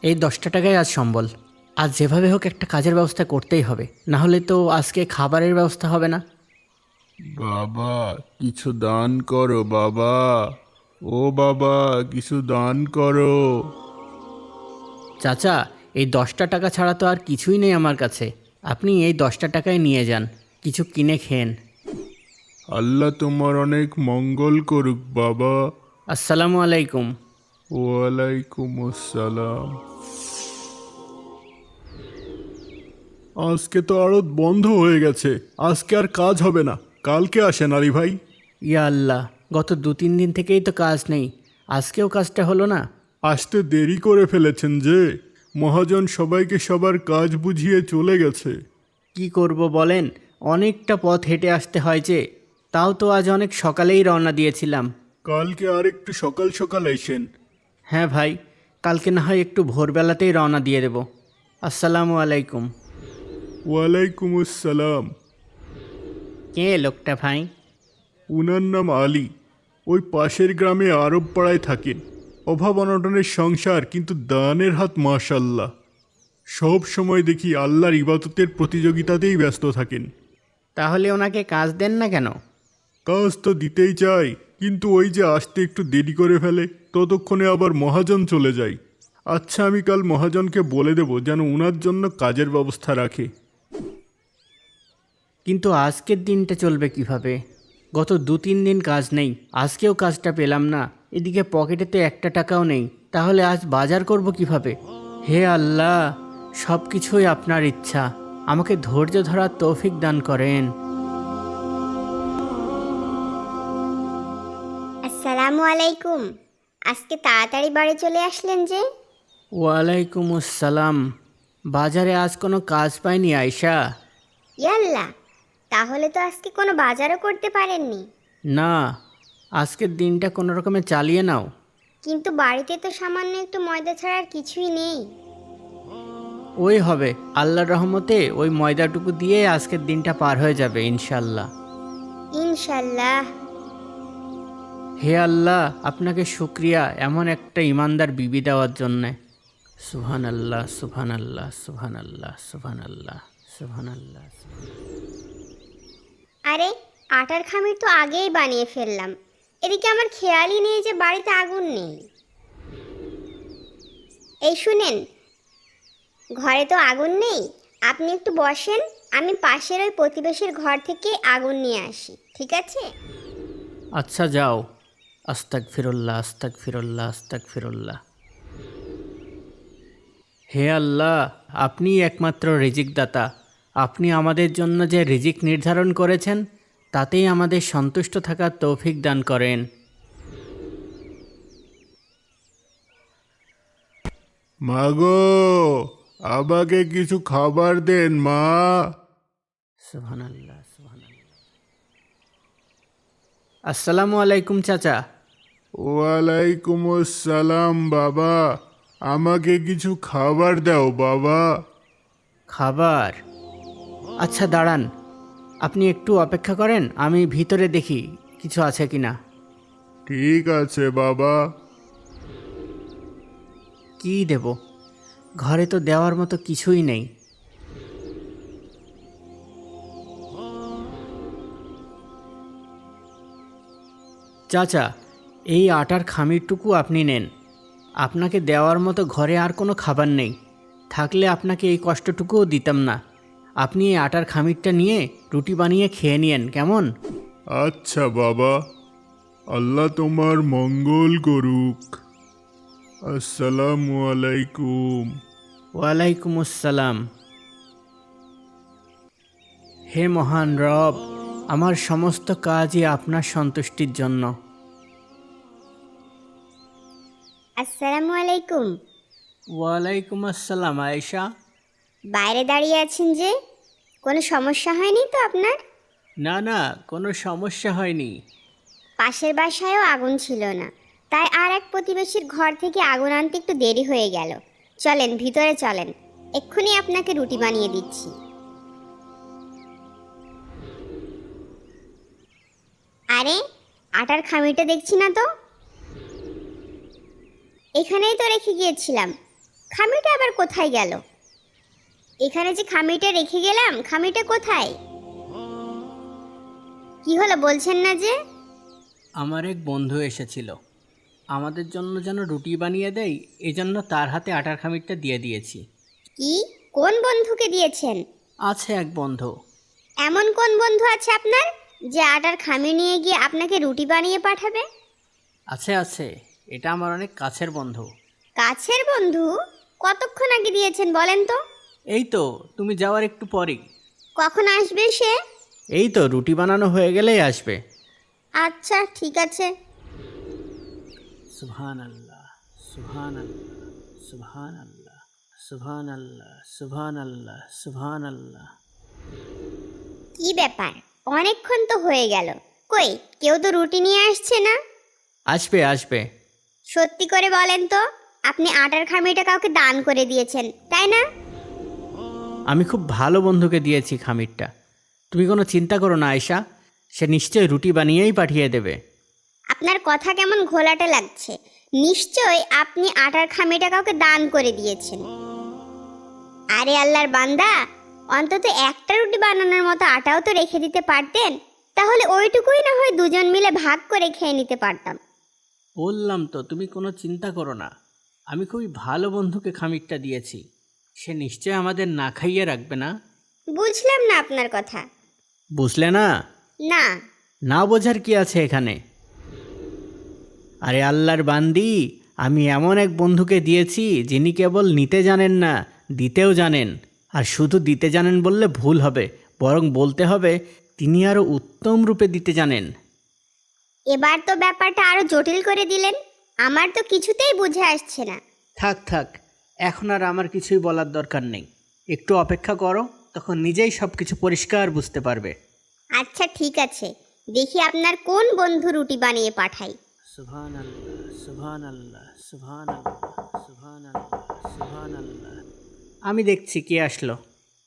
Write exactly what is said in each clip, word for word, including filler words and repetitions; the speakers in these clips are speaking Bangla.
এই দশটা টাকায় আজ সম্বল। আজ যেভাবে হোক একটা কাজের ব্যবস্থা করতেই হবে, না হলে তো আজকে খাবারের ব্যবস্থা হবে না। বাবা কিছু দান করো বাবা। ও বাবা কিছু দান করো। চাচা, এই দশটা টাকা ছাড়া তো আর কিছুই নেই আমার কাছে। আপনি এই দশটা টাকায় নিয়ে যান, কিছু কিনে খেন। আল্লাহ তোমার অনেক মঙ্গল করুক বাবা। আসসালামু আলাইকুম। ওয়ালাইকুম আসসালাম। আজকে তো আড়ত বন্ধ হয়ে গেছে, আজকে আর কাজ হবে না। কালকে আসেন আলী ভাই। ইয়া আল্লাহ, গত দু তিন দিন থেকেই তো কাজ নেই, আজকেও কাজটা হলো না। আসতে দেরি করে ফেলেছেন যে, মহাজন সবাইকে সবার কাজ বুঝিয়ে চলে গেছে। কি করব বলেন, অনেকটা পথ হেঁটে আসতে হয় যে। তাও তো আজ অনেক সকালেই রওনা দিয়েছিলাম। কালকে আর একটু সকাল সকাল এসেন। হ্যাঁ ভাই, কালকে না হয় একটু ভোরবেলাতেই রওনা দিয়ে দেব। আসসালামু আলাইকুম। ওয়ালাইকুম আসসালাম। কে লোকটা ভাই? উনার নাম আলী, ওই পাশের গ্রামে আরব পাড়ায় থাকেন। অভাব অনটনের সংসার, কিন্তু দানের হাত মাশাল্লাহ। সব সময় দেখি আল্লাহর ইবাদতের প্রতিযোগিতাতেই ব্যস্ত থাকেন। তাহলে ওনাকে কাজ দেন না কেন? কাজ তো দিতেই চাই, কিন্তু ওই যে আসতে একটু দেরি করে ফেলে, ততক্ষণে আবার মহাজন চলে যায়। আচ্ছা, আমি কাল মহাজনকে বলে দেব যেন উনার জন্য কাজের ব্যবস্থা রাখে। কিন্তু আজকের দিনটা চলবে কিভাবে? গত দু তিন দিন কাজ নেই, আজকেও কাজটা পেলাম না। এদিকে পকেটে তো একটা টাকাও নেই, তাহলে আজ বাজার করব কিভাবে? হে আল্লাহ, সব কিছুই আপনার ইচ্ছা, আমাকে ধৈর্য ধরার তৌফিক দান করেন। আসসালামু আলাইকুম। আজকে তাড়াতাড়ি বাড়ি চলে আসলেন যে? ওয়ালাইকুম আসসালাম। বাজারে আজ কোনো কাজ পাইনি আয়শা। ইয়াল্লা, তাহলে তো আজকে কোনো বাজারও করতে পারেননি। না, আজকের দিনটা কোনো রকমে চালিয়ে নাও। কিন্তু বাড়িতে তো সামান্য একটু ময়দা ছাড়া আর কিছুই নেই। ওই হবে, আল্লাহর রহমতে ওই ময়দাটুকু দিয়ে আজকের দিনটা পার হয়ে যাবে ইনশাল্লাহ। ইনশাল্লাহ। হে আল্লাহ, আপনাকে শুক্রিয়া এমন একটা ইমানদার বিবি দেওয়ার জন্যে। সুবহান আল্লাহ, সুবহান আল্লাহ, সুবহান আল্লাহ, সুবহান আল্লাহ, সুবহান আল্লাহ। আরে, আটার খামির তো আগেই বানিয়ে ফেললাম। এদিকে আমার খেয়ালই নেই যে বাড়িতে আগুন নেই। এই শুনেন, ঘরে তো আগুন নেই, আপনি একটু বসেন, আমি পাশের ওই প্রতিবেশীর ঘর থেকে আগুন নিয়ে আসি, ঠিক আছে? আচ্ছা যাও। আস্তাক ফিরুল্লাহ, আস্তাক ফিরুল্লাহ, আস্তাক ফিরুল্লাহ। হে আল্লাহ, আপনিই একমাত্র রিজিক দাতা। আপনি আমাদের জন্য যে রিজিক নির্ধারণ করেছেন, তাতেই আমাদের সন্তুষ্ট থাকার তৌফিক দান করেন। মাগো, আমাকে কিছু খাবার দেন মা। সুবহানাল্লাহ, সুবহানাল্লাহ। আসসালামু আলাইকুম চাচা। ওয়ালাইকুম আসসালাম বাবা। আমাকে কিছু খাবার দাও বাবা। খাবার? আচ্ছা দাঁড়ান, আপনি একটু অপেক্ষা করেন, আমি ভিতরে দেখি কিছু আছে কিনা। ঠিক আছে বাবা। কি দেব? ঘরে তো দেওয়ার মতো কিছুই নেই। চাচা, এই আটার খামিরটুকু আপনি নেন। আপনাকে দেওয়ার মতো ঘরে আর কোনো খাবার নেই, থাকলে আপনাকে এই কষ্টটুকুও দিতাম না। আপনি এই আটার খামিরটা নিয়ে রুটি বানিয়ে খেয়ে নিয়েন, কেমন? আচ্ছা বাবা, আল্লাহ তোমার মঙ্গল করুক। আসসালামু আলাইকুম। ওয়ালাইকুম আসসালাম। হে মহান রব, আমার সমস্ত কাজই আপনার সন্তুষ্টির জন্য। আসসালামু আলাইকুম। ওয়ালাইকুম আসসালাম আয়েশা। বাইরে দাঁড়িয়ে আছেন যে, কোনো সমস্যা হয়নি তো আপনার? না না, কোনো সমস্যা হয়নি। পাশের বাসায়ও আগুন ছিল না, তাই আর এক প্রতিবেশীর ঘর থেকে আগুন আনতে একটু দেরি হয়ে গেল। চলেন ভিতরে চলেন, এক্ষুনি আপনাকে রুটি বানিয়ে দিচ্ছি। আরে, আটার খামিরটা দেখছি না তো। এখানেই তো রেখে গিয়েছিলাম, খামিটা আবার কোথায় গেল? এখানে যে খামিটা রেখে গেলাম, খামিটা কোথায়? কি হলো বলছেন না যে? আমার এক বন্ধু এসেছিল, আমাদের জন্য যেন রুটি বানিয়ে দেয়, এজন্য তার হাতে আটার খামিরটা দিয়ে দিয়েছি। কি? কোন বন্ধুকে দিয়েছেন? আছে এক বন্ধু। এমন কোন বন্ধু আছে আপনার যে আটার খামি নিয়ে গিয়ে আপনাকে রুটি বানিয়ে পাঠাবে? আছে আছে, এটা আমার অনেক কাছের বন্ধু। কাছের বন্ধু? কতক্ষণ আগে দিয়েছেন বলেন তো? এই তো তুমি যাওয়ার একটু পরেই। কখন আসবে সে? এই তো রুটি বানানো হয়ে গেলেই আসবে। আচ্ছা ঠিক আছে। সুবহান আল্লাহ, সুবহান আল্লাহ, সুবহান আল্লাহ, সুবহান আল্লাহ, সুবহান আল্লাহ, সুবহান আল্লাহ। কি ব্যাপার, অনেকক্ষণ তো হয়ে গেল, কই কেউ তো রুটি নিয়ে আসছে না? আসবে আসবে। সত্যি করে বলেন তো, আপনি আটার খামিটা কাউকে দান করে দিয়েছেন তাই না? আমি খুব ভালো বন্ধুকে দিয়েছি খামিরটা, তুমি কোনো চিন্তা করো না আয়শা, সে নিশ্চয়ই রুটি বানিয়েই পাঠিয়ে দেবে। আপনার কথা কেমন ঘোলাটে লাগছে। নিশ্চয় আপনি আটার খামিটা কাউকে দান করে দিয়েছেন। আরে আল্লাহর বান্দা, অন্তত একটা রুটি বানানোর মতো আটাও তো রেখে দিতে পারতেন, তাহলে ওইটুকুই না হয় দুজন মিলে ভাগ করে খেয়ে নিতে পারতাম। বললাম তো তুমি কোনো চিন্তা করো না, আমি খুবই ভালো বন্ধুকে খামিরটা দিয়েছি, সে নিশ্চয় আমাদের না খাইয়ে রাখবে না। বুঝলাম না আপনার কথা। বুঝলে না? না। না বোঝার কি আছে এখানে? আরে আল্লাহর বান্দি, আমি এমন এক বন্ধুকে দিয়েছি যিনি কেবল নিতে জানেন না, দিতেও জানেন। আর শুধু দিতে জানেন বললে ভুল হবে, বরং বলতে হবে তিনি আরও উত্তম রূপে দিতে জানেন। এবার তো ব্যাপারটা আরো জটিল করে দিলেন, আমার তো কিছুতেই বুঝে আসছে না। থাক থাক, এখন আর আমার কিছুই বলার দরকার নেই, একটু অপেক্ষা করো, তখন নিজেই সব কিছু পরিষ্কার বুঝতে পারবে। আচ্ছা ঠিক আছে, দেখি আপনার কোন বন্ধু রুটি বানিয়ে পাঠাই। সুবহান আল্লাহ, সুবহান আল্লাহ, সুবহান আল্লাহ, সুবহান আল্লাহ, সুবহান আল্লাহ। আমি দেখছি কে আসলো।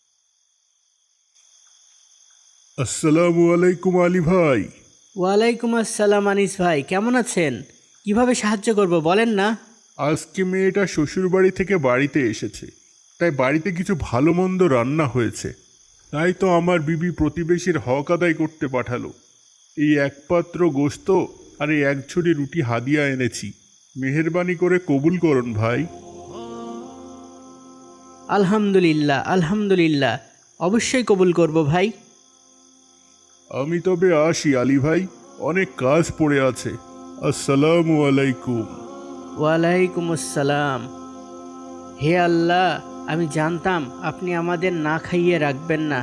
আসসালামু আলাইকুম আলী ভাই। ওয়ালাইকুম আসসালাম আনিস ভাই, কেমন আছেন? কিভাবে সাহায্য করব বলেন না। আজকে মেয়েটা শ্বশুরবাড়ি থেকে বাড়িতে এসেছে, তাই বাড়িতে কিছু ভালো মন্দ রান্না হয়েছে, তাই তো আমার বিবি প্রতিবেশীর হক আদায় করতে পাঠালো। এই এক পাত্র গোশত আর এই এক ঝুড়ি রুটি হাদিয়া এনেছি, মেহেরবানি করে কবুল করুন ভাই। আলহামদুলিল্লাহ আলহামদুলিল্লাহ, অবশ্যই কবুল করব ভাই। আমি তবে আসি আলী ভাই, অনেক কাজ পড়ে আছে। আসসালামু আলাইকুম। ওয়ালাইকুম আসসালাম। হে আল্লাহ, আমি জানতাম আপনি আমাদের না খাইয়ে রাখবেন না।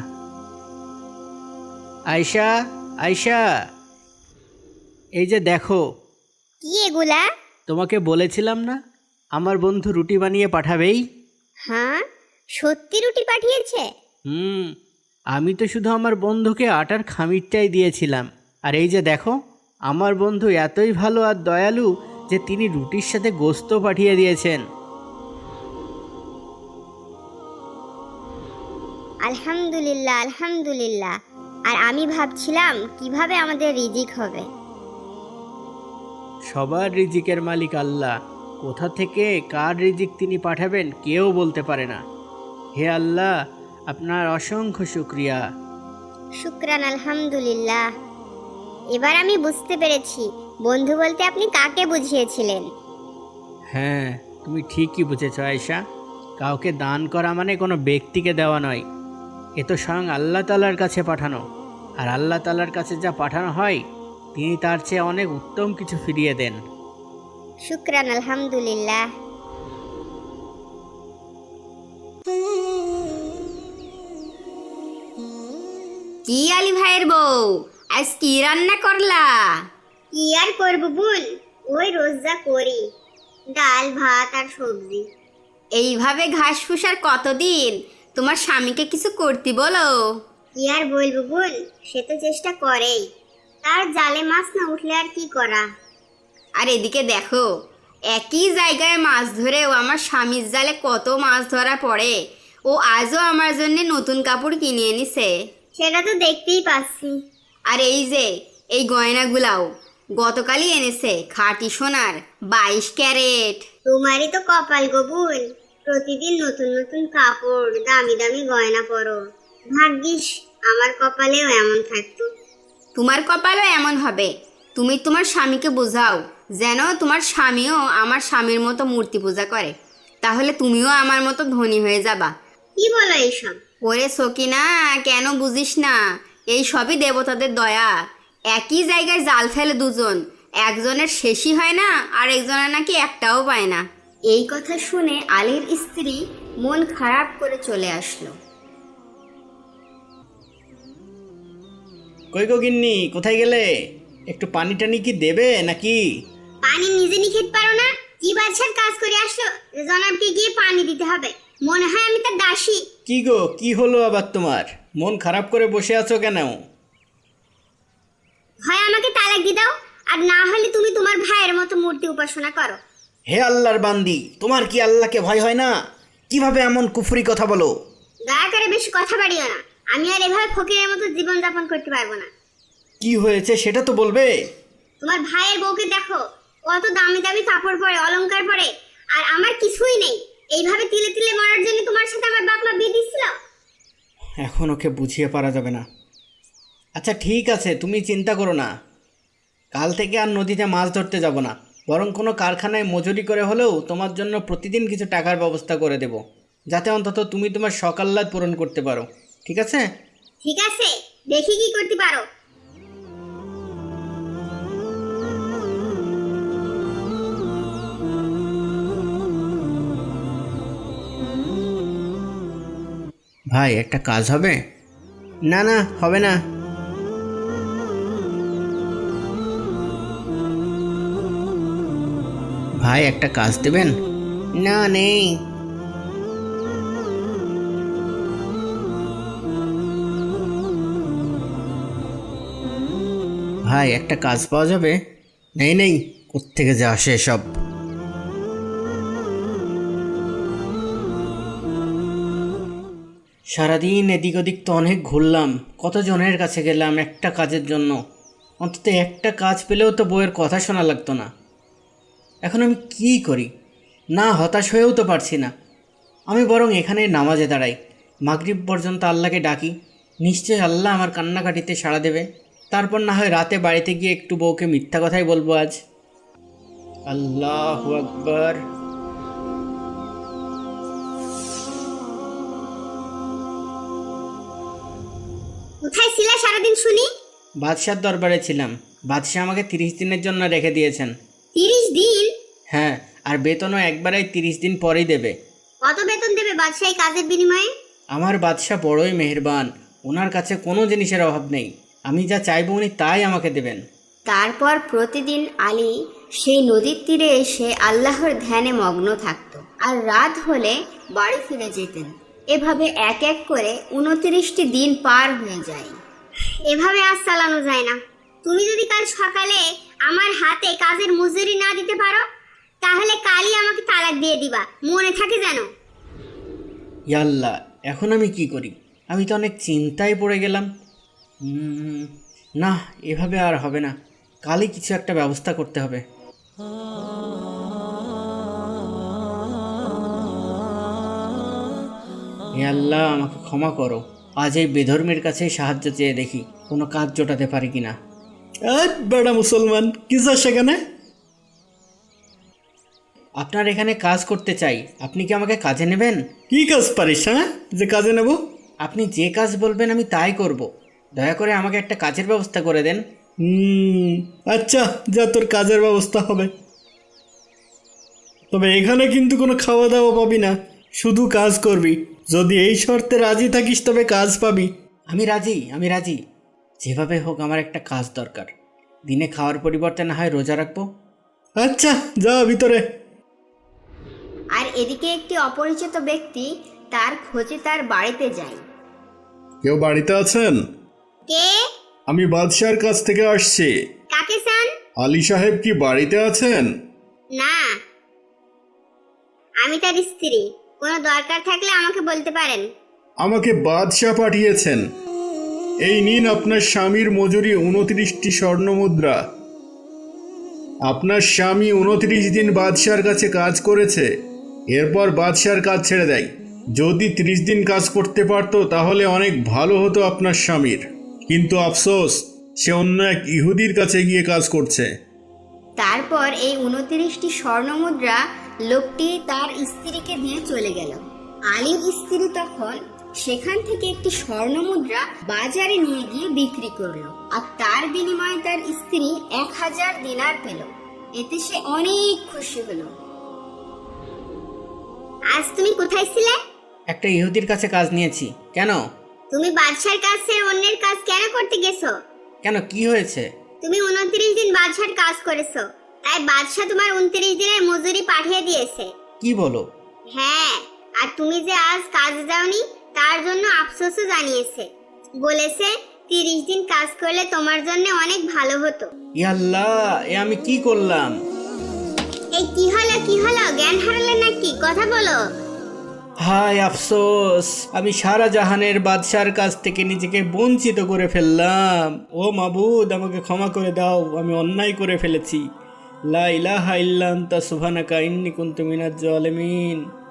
আয়শা, আয়শা, এই যে দেখো। কি এগুলা? তোমাকে বলেছিলাম না আমার বন্ধু রুটি বানিয়ে পাঠাবেই। হ্যাঁ, সত্যি রুটি পাঠিয়েছে? হুম, আমি তো শুধু আমার বন্ধুকে আটার খামিরটাই দিয়েছিলাম, আর এই যে দেখো, আমার বন্ধু এতই ভালো আর দয়ালু যে তিনি রুটির সাথে গোশত পাঠিয়ে দিয়েছেন। আলহামদুলিল্লাহ আলহামদুলিল্লাহ। আর আমি ভাবছিলাম কিভাবে আমাদের রিজিক হবে। সবার রিজিকের মালিক আল্লাহ, কোথা থেকে কার রিজিক তিনি পাঠাবেন কেউ বলতে পারে না। হে আল্লাহ, আপনার অসংখ্য শুকরিয়া। শুকরান আলহামদুলিল্লাহ। এবার আমি বুঝতে পেরেছি বন্ধু বলতে আপনি কাকে বুঝিয়েছিলেন। হ্যাঁ, তুমি ঠিকই বুঝেছ আয়েশা, কাউকে দান করা মানে কোনো ব্যক্তিকে দেওয়া নয়, এ তো স্বয়ং আল্লাহ তাআলার কাছে পাঠানো, আর আল্লাহ তাআলার কাছে যা পাঠানো হয় তিনি তার চেয়ে অনেক উত্তম কিছু ফিরিয়ে দেন। শুকরান আলহামদুলিল্লাহ। কি আলী ভাইয়ের বউ, আজ কি রান্না করলা? কি আর করবো বোন, ওই রোজ যা করি, ডাল ভাত আর সবজি। এইভাবে ঘাস ফুসার কতদিন? তোমার স্বামীকে কিছু করতে বলো। কি আর বলবো বোন, সে তো চেষ্টা করেই, তার জালে মাছ না উঠলে আর কি করা। আর এদিকে দেখো, একই জায়গায় মাছ ধরেও আমার স্বামীর জালে কত মাছ ধরা পড়ে। ও আজও আমার জন্য নতুন কাপড় কিনে এনেছে। সেটা তো দেখতেই পাচ্ছি। আর এই যে এই গয়নাগুলাও গতকালই এনেছে, খাঁটি সোনার বাইশ ক্যারেট। তোমারই তো কপাল গো বোন, প্রতিদিন নতুন নতুন কাপড়, দামি দামি গয়না পরো। ভাগ্যিস আমার কপালেও এমন থাকতো। তোমার কপালও এমন হবে। তুমি তোমার স্বামীকে বোঝাও যেন তোমার স্বামীও আমার স্বামীর মতো মূর্তি পূজা করে, তাহলে তুমিও আমার মতো ধনী হয়ে যাবা। কি বলো এইসব? ওরে সকিনা, কেন বুঝিস না? এই সবই দেবতাদের দয়া। একই জায়গায় জাল ফেলে দুজন, একজনের শেষই হয় না আর একজনের নাকি একটাও পায় না। এই কথা শুনে আলীর স্ত্রী মন খারাপ করে চলে আসলো। কই গো গিন্নি, কোথায় গেলে? একটু পানি টানি কি দেবে নাকি? পানি নিজে নিয়ে খেতে পারো না? কি বাদশার কাজ করে আসলো যে জনাবকে গিয়ে পানি দিতে হবে? মনে হয় আমি তার দাসী। কি গো, কি হলো আবার তোমার? মন খারাপ করে বসে আছো কেন? হয় আমাকে তালাক দিয়ে দাও, আর না হলে তুমি তোমার ভাইয়ের মতো মূর্তি উপাসনা করো। হে আল্লাহর বান্দি, তোমার কি আল্লাহকে ভয় হয় না? কিভাবে এমন কুফরি কথা বলো? দয়া করে বেশি কথা বাড়িও না। আমি আর এভাবে ফকিরের মতো জীবন যাপন করতে পারবো না। কি হয়েছে সেটা তো বলবে। তোমার ভাইয়ের বউকে দেখো, কত দামি দামি কাপড় পরে, অলংকার পরে, আর আমার কিছুই নেই। এইভাবে তিলে তিলে মরার জন্য তোমার সাথে আমার বাপ মা বিয়ে দিছিল। এখন ওকে বুঝিয়ে পারা যাবে না। আচ্ছা ঠিক আছে, তুমি চিন্তা করো না। কাল থেকে আর নদীতে মাছ ধরতে যাব না, বরং কোনো কারখানায় মজুরি করে হলেও তোমার জন্য প্রতিদিন কিছু টাকার ব্যবস্থা করে দেব, যাতে অন্তত তুমি তোমার শখ আহ্লাদ পূরণ করতে পারো। ঠিক আছে? ঠিক আছে, দেখি কি করতে পারো। ভাই, একটা কাজ হবে? না না, হবে না। ভাই, একটা কাজ দেবেন? না, নেই। ভাই, একটা কাজ পাওয়া যাবে? নেই নেই, কোত্থেকে যে আসে সব। সারাদিন এদিক ওদিক তো অনেক ঘুরলাম, কতজনের কাছে গেলাম একটা কাজের জন্য। অন্তত একটা কাজ পেলেও তো বউয়ের কথা শোনা লাগতো না। এখন আমি কি করি? না, হতাশ হয়েও তো পারছি না। আমি বরং এখানে নামাজে দাঁড়াই, মাগরিব পর্যন্ত আল্লাহকে ডাকি। নিশ্চয়ই আল্লাহ আমার কান্নাকাটিতে সাড়া দেবে। তারপর না হয় রাতে বাড়িতে গিয়ে একটু বউকে মিথ্যা কথাই বলবো আজ। আল্লাহু আকবার। কোথায় ছিলা সারাদিন শুনি? বাদশার দরবারে ছিলাম। বাদশাহ আমাকে তিরিশ দিনের জন্য রেখে দিয়েছেন। তিরিশ দিন? হ্যাঁ, আর বেতনও একবারেই তিরিশ দিন পরেই দেবে। কত বেতন দেবে বাদশাহ এই কাজের বিনিময়ে? আমার বাদশাহ বড়ই মেহেরবান, ওনার কাছে কোনো জিনিসের অভাব নেই। আমি যা চাইবো উনি তাই আমাকে দেবেন। তারপর প্রতিদিন আলী সেই নদীর তীরে এসে আল্লাহর ধ্যানে মগ্ন থাকত, আর রাত হলে বাড়ি ফিরে যেতেন। এভাবে এক এক করে উনত্রিশটি দিন পার হয়ে যায়। এভাবে আজ চালানো যায় না। তুমি যদি কাল সকালে আমার হাতে কাজের মজুরি না দিতে পারো, তাহলে কালই আমাকে তালাক দিয়ে দিবা, মনে থাকে যেন। ইয়াল্লা, এখন আমি কি করি? আমি তো অনেক চিন্তায় পড়ে গেলাম। উম, না, এভাবে আর হবে না। কালই কিছু একটা ব্যবস্থা করতে হবে। হে আল্লাহ, আমাকে ক্ষমা করো। আজ এই বেধর্মের কাছেই সাহায্য চেয়ে দেখি কোনো কাজ জোটাতে পারি কিনা। বেড়া মুসলমান, কি যা সেখানে? আপনার এখানে কাজ করতে চাই, আপনি কি আমাকে কাজে নেবেন? কি কাজ পারিস, হ্যাঁ, যে কাজে নেব? আপনি যে কাজ বলবেন আমি তাই করব। দয়া করে আমাকে একটা কাজের ব্যবস্থা করে দেন। হুম, আচ্ছা, যা, তোর কাজের ব্যবস্থা হবে। তবে এখানে কিন্তু কোনো খাওয়া দাওয়া পাবি না, শুধু কাজ করবি। যদি এই শর্তে রাজি থাকিস তবে কাজ পাবি। আমি রাজি, আমি রাজি। যেভাবে হোক আমার একটা কাজ দরকার। দিনে খাওয়ার পরিবর্তে না হয় রোজা রাখবো। আচ্ছা, যা ভিতরে। আর এদিকে একটি অপরিচিত ব্যক্তি তার খোঁজে তার বাড়িতে যায়। কেউ বাড়িতে আছেন? কে? আমি বাদশার কাছ থেকে আসছি। কাকে চান? আলী সাহেব কি বাড়িতে আছেন? না, আমি তার স্ত্রী। কোনো দরকার থাকলে আমাকে বলতে পারেন। আমাকে বাদশাহ পাঠিয়েছেন। এই নিন আপনার স্বামীর মজুরি উনত্রিশটি স্বর্ণ মুদ্রা। আপনার স্বামী উনত্রিশ দিন বাদশার কাছে কাজ করেছে, এরপর বাদশার কাজ ছেড়ে দেয়। যদি ত্রিশ দিন কাজ করতে পারতো তাহলে অনেক ভালো হতো আপনার স্বামীর, কিন্তু আফসোস সে অন্য এক ইহুদির কাছে গিয়ে কাজ করছে। তারপর এই উনত্রিশটি স্বর্ণমুদ্রা লোকটি তার স্ত্রীকে দিয়ে চলে গেল। আলীর স্ত্রী তখন সেখান থেকে একটি স্বর্ণমুদ্রা বাজারে নিয়ে গিয়ে বিক্রি করলো, আর তার বিনিময়ে তার স্ত্রী এক হাজার দিনার পেল। এতে সে অনেক খুশি হলো। আজ তুমি কোথায় ছিলে? একটা ইহুদির কাছে কাজ নিয়েছি। কেন? তুমি বাদশার কাছে অন্যের কাজ কেন করতে গেছো? কেন, কি হয়েছে? তুমি উনত্রিশ দিন বাদশার কাজ করেছো, তাই বাদশা তোমার উনত্রিশ দিনের মজুরি পাঠিয়ে দিয়েছে। কি বলো? হ্যাঁ, আর তুমি যে আজ কাজে যাওনি তার জন্য আফসোসও জানিয়েছে। বলেছে তিরিশ দিন কাজ করলে তোমার জন্য অনেক ভালো হতো। ইয়াল্লাহ, এ আমি কি করলাম? এই কি হলো কি হলো, জ্ঞান হারালে নাকি? কথা বলো। হায় আফসোস, আমি সারা জাহানের বাদশার কাছ থেকে নিজেকে বঞ্চিত করে ফেললাম। ও মাবুদ, আমাকে ক্ষমা করে দাও, আমি অন্যায় করে ফেলেছি। লা ইলাহা ইল্লা আনতা সুবহানাকা ইন্নী কুনতু মিনাজ জালিমিন।